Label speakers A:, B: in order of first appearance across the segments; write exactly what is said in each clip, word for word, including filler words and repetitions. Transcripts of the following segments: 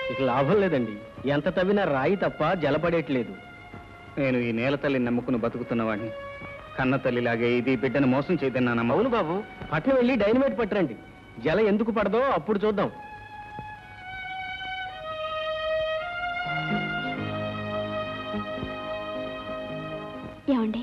A: ఇక లాభం లేదండి. ఎంత తవ్వినా రాయి తప్ప జలపడేట్లేదు.
B: నేను ఈ నేల తల్లిని నమ్ముకుని బతుకుతున్నవాడిని. కన్న తల్లిలాగే ఇది బిడ్డను మోసం చేయదన్నా.
A: అవును బాబు, పట్నం వెళ్ళి డైనమైట్ పట్టరండి. జల ఎందుకు పడదో అప్పుడు చూద్దాం.
C: ఏమండి?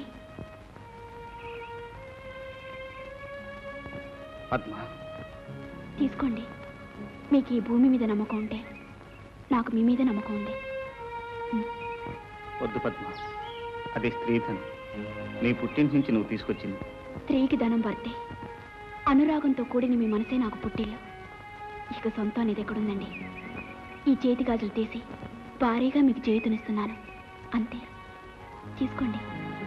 B: పద్మ,
C: తీసుకోండి. మీకు ఈ భూమి మీద నమ్మకం ఉంటే నాకు మీ మీద నమ్మకం ఉంది.
B: వద్దు పద్మ, అది స్త్రీధనం. నీ పుట్టింటి నుంచి నువ్వు తీసుకొచ్చింది.
C: స్త్రీకి ధనం పడితే అనురాగంతో కూడిన మీ మనసే నాకు పుట్టిల్లు. ఇక సొంతం అనేది ఎక్కడుందండి? ఈ చేతి గాజులు తీసి భారీగా మీకు చేతునిస్తున్నాను, అంతే. తీసుకోండి.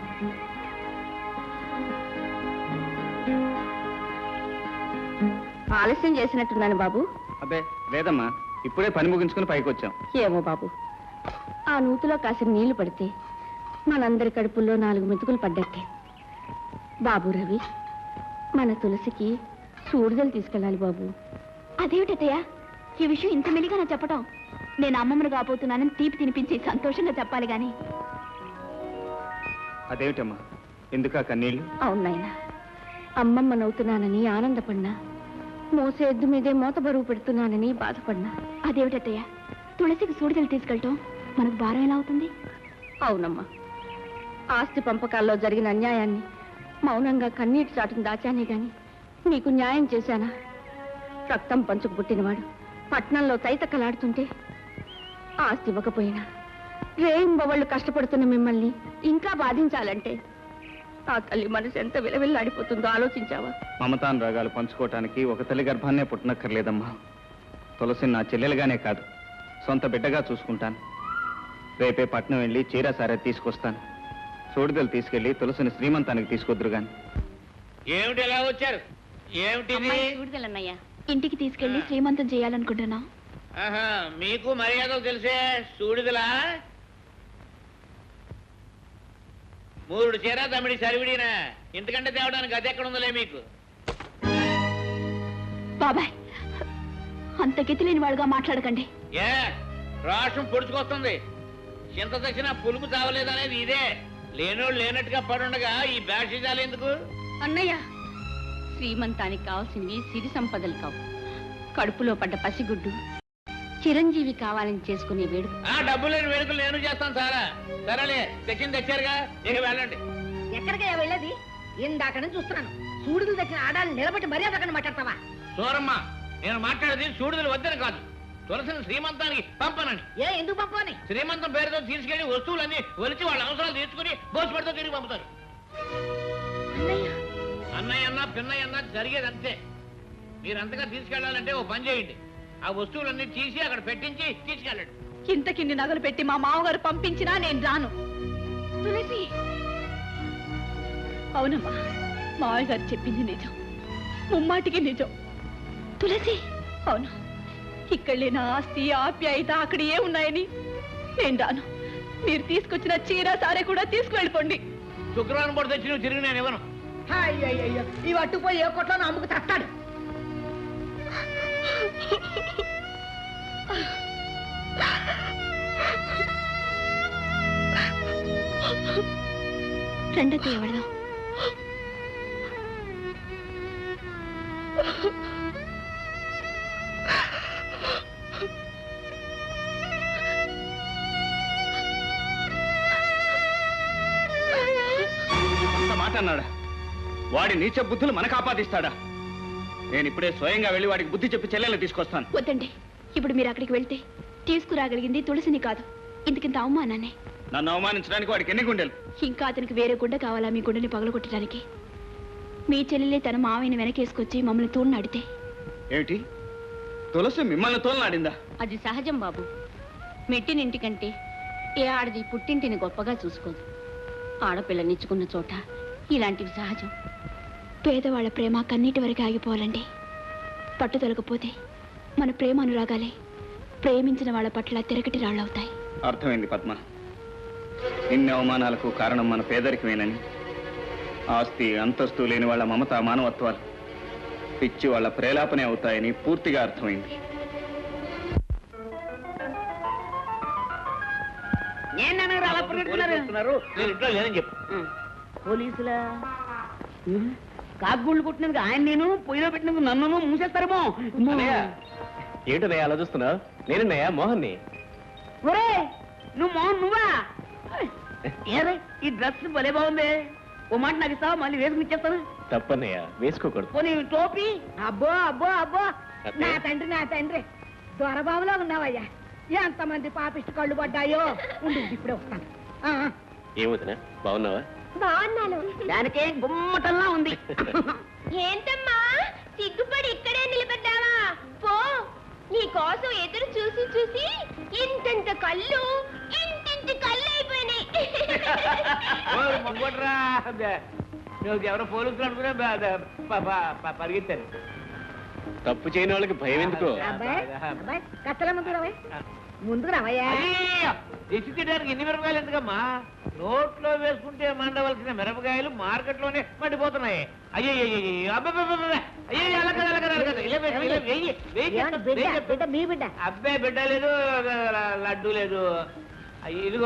D: ఆలస్యం చేసినట్టున్నాను బాబు.
B: అబ్బే లేదమ్మా, ఇప్పుడే పని ముగించుకుని పైకి వచ్చాం.
D: ఏమో బాబు, ఆ నూతిలో కాసిన నీళ్లు పడితే మనందరి కడుపుల్లో నాలుగు మెతుకులు పడ్డట్టే. బాబు రవి, మన తులసికి సూడిదలు తీసుకెళ్ళాలి బాబు.
C: అదేమిటయ్యా ఈ విషయం ఇంత మెలిగా నా చెప్పటం? నేను అమ్మమ్మను కాబోతున్నానని తీపి తినిపించి సంతోషంగా చెప్పాలి గాని.
B: అదేమిటమ్మా, ఎందుకా కన్నీళ్ళు?
D: అవునాయన, అమ్మమ్మనవుతున్నానని ఆనందపడినా, మోసే ఎద్దు మీదే మోత బరువు పెడుతున్నానని బాధపడినా.
C: అదేమిటయ్యా తులసికి సూడిదలు తీసుకెళ్ళటం మనకు భారం ఎలా అవుతుంది?
D: అవునమ్మా, ఆస్తి పంపకాల్లో జరిగిన అన్యాయాన్ని మౌనంగా కన్నీటి చాటును దాచానే గాని నీకు న్యాయం చేశానా? రక్తం పంచుకు పుట్టినవాడు పట్నంలో తైతక్కలాడుతుంటే ఆస్తి ఇవ్వకపోయినా రేయింబవళ్ళు కష్టపడుతున్న మిమ్మల్ని ఇంకా బాధించాలంటే ఆ తల్లి మనసు ఎంత విలవిల్లాడిపోతుందో ఆలోచించావా?
B: మమతాన్ రాగాలు పంచుకోవటానికి ఒక తల్లి గర్భాన్నే పుట్టనక్కర్లేదమ్మా. తులసిని నా చెల్లెలుగానే కాదు, సొంత బిడ్డగా చూసుకుంటాను. రేపే పట్నం వెళ్ళి చీర సారే తీసుకొస్తాను. సూడిదలు తీసుకెళ్లి తులసిని శ్రీమంతానికి తీసుకొద్దురు గాని.
E: ఏమిటి ఎలా వచ్చారు? ఏమిటి
D: సూడిదలన్నయ్యా?
C: ఇంటికి తీసుకెళ్లి శ్రీమంతం చేయాలనుకుంటున్నా.
E: మీకు మర్యాదలు తెలిసే సూడిదలా? మూడు చీర తమిడి సరివిడినా, ఇంతకంటే తేవడానికి అది ఎక్కడ ఉందలే మీకు.
C: బాబాయ్, అంత గతి లేని వాడుగా మాట్లాడకండి.
E: ఏ రాష్ట్రం పొడుచుకొస్తుంది. చింత తెచ్చినా పులుపు చావలేదనేది ఇదే. లేనోళ్ళు లేనట్టుగా పడుండగా ఈ బ్యాషిజాలు ఎందుకు?
D: అన్నయ్య, శ్రీమంతానికి కావాల్సింది సిరి సంపదలు కావు, కడుపులో పడ్డ పసిగుడ్డు చిరంజీవి కావాలని చేసుకునే వేడుక.
E: ఆ డబ్బు లేని వేడుకలు నేను చేస్తాను సారా. సరేలే, తెచ్చింది తెచ్చారుగా, ఇక వెళ్ళండి.
F: ఎక్కడికయ్యా వెళ్ళేది? ఇందాక నుంచి చూస్తున్నాను. సూడిదలు తెచ్చిన ఆడాలను నిలబెట్టి మర్యాద అక్కడ మాట్లాడతావా?
E: సూరమ్మ, నేను మాట్లాడేది సూడిదలు వద్దని కాదు, తులసిని శ్రీమంతానికి పంపనని.
F: ఏ ఎందుకు పంపని?
E: శ్రీమంతం పేరుతో తీసుకెళ్లి వస్తువులన్నీ ఒలిచి వాళ్ళ అవసరాలు తీర్చుకుని బోసుపడితో తిరిగి పంపుతారు. అన్నయ్య అన్నా పిన్నయ్య అన్నా జరిగేది అంతే. మీరంతగా తీసుకెళ్లాలంటే ఓ పని చేయండి, ఆ వస్తువులన్నీ తీసి అక్కడ పెట్టించి తీసుకెళ్ళండి.
C: ఇంతకిన్ని నగలు పెట్టి మా మామగారు పంపించినా నేను రాను. తులసి, అవునమ్మా, మావయ్య గారు చెప్పింది నిజం, ముమ్మాటికి నిజం. తులసి, అవును, ఇక్కడ లేని ఆస్తి ఆప్యాయత అక్కడ ఏ ఉన్నాయని నేను రాను. మీరు తీసుకొచ్చిన చీర సారే కూడా తీసుకువెళ్ళిపోండి.
E: శుక్రవారం పూట తెచ్చి నువ్వు తిరిగి నేను ఇవ్వను.
F: అయ్యయ్యో, ఇవి అట్టుపోయి ఏ కొట్లో అమ్ముకు తస్తాడు.
C: రెండో ఎవడదాం.
B: మాట అన్నాడా? వాడి నీచ బుద్ధులు మనకు ఆపాదిస్తాడా? నేను ఇప్పుడే స్వయంగా వెళ్ళి వాడికి బుద్ధి చెప్పి చెల్లెలు తీసుకొస్తాను.
C: వద్దండి, ఇప్పుడు మీరు అక్కడికి వెళ్తే తీసుకురాగలిగింది తులసిని కాదు, ఇంతకింత అవమానాన్ని.
B: నన్ను అవమానించడానికి వాడికి ఎన్ని గుండెలు?
C: ఇంకా అతనికి వేరే గుండె కావాలా మీ గుండెని పగలగొట్టడానికి? మీ చెల్లెలే తన మావయ్యని వెనకేసుకొచ్చి మమ్మల్ని తోలనాడితే
B: ఏమిటి? తులసి మిమ్మల్ని తోలనాడిందా?
D: అది సహజం బాబు. మెట్టినింటికంటే ఏ ఆడది పుట్టింటిని గొప్పగా చూసుకోదు. ఆడపిల్లనిచ్చుకున్న చోట ఇలాంటివి సహజం.
C: పేదవాళ్ల ప్రేమ కన్నీటి వరకు ఆగిపోవాలండి. పట్టుదలకపోతే మన ప్రేమ అనురాగాలే ప్రేమించిన వాళ్ళ పట్ల తిరగటి రాళ్ళవుతాయి.
B: అర్థమైంది పద్మ. ఇన్ని అవమానాలకు కారణం మన పేదరికమేనని, ఆస్తి అంతస్తు లేని వాళ్ళ మమత మానవత్వాలు పిచ్చి వాళ్ళ ప్రేలాపనే అవుతాయని పూర్తిగా అర్థమైంది.
F: నేను అన్నారు అలా పరిగెడుతున్నారు
E: వస్తున్నారు, నేను ఇంట్లో లేనని చెప్పు.
F: పోలీసులా కాకుగుళ్ళు కొట్టినందుకు ఆయన నేను పొయ్యిలో పెట్టినందుకు నన్ను మూసేస్తారేమో.
A: ఏంటనయ్య అలా చూస్తున్నావు? నేనన్నయ్య మోహన్ని.
F: ఒరే నువ్వు మోహన్ నువ్వా? ఏరే ఈ డ్రెస్ భలే బాగుంది. ఓ మాట నాకు ఇస్తావా? మళ్ళీ వేసుకుని ఇచ్చేస్తాను.
A: తప్పన్నయ్య, వేసుకోకూడదు.
F: పోనీ టోపీ. అబ్బో అబ్బో అబ్బో నా తండ్రి నా తండ్రి దొరబాబులో ఉన్నావయ్యా. ఎంతమంది పాపిష్టి కళ్ళు పడ్డాయో. ఉండు ఇప్పుడే వస్తాను. ఆ, ఆ.
A: ఏమవుతున్నా బాగున్నావా?
D: బాగున్నాను.
F: దానికే గుమ్మటంలా ఉంది.
D: ఏంటమ్మా సిగ్గుపడి ఇక్కడే నిలబడ్డావా? పో, నీ కోసం ఎదురు చూసి చూసి ఇంతంత కళ్ళు ఇంటింటి కళ్ళు అయిపోయినాయి.
E: ఓ, మొంగోడ్రా. నువ్వు ఎవరో పోలీసులు అనుకునే పరిగెత్తారు.
A: తప్పు చేయని వాళ్ళకి భయం ఎందుకో?
F: అబ్బాయి అబ్బాయి కత్తల ముందు రావయ్య. ముందుకు రావయ్యా.
E: దిష్టి తీయడానికి ఎన్ని మిరపకాయలు ఎందుకమ్మా? నోట్లో వేసుకుంటే మండవలసిన మిరపకాయలు మార్కెట్లోనే మండిపోతున్నాయి. అయ్యో అయ్యో అలా కదా అలా కదా అలా కదా ఇలా వేసి, ఇలా వెయ్యి వెయ్యి
F: ఏమన్నా బిడ్డ బిడ్డ మీ బిడ్డ
E: అబ్బాయి బిడ్డ లేదు, లడ్డు లేదు. ఇదిగో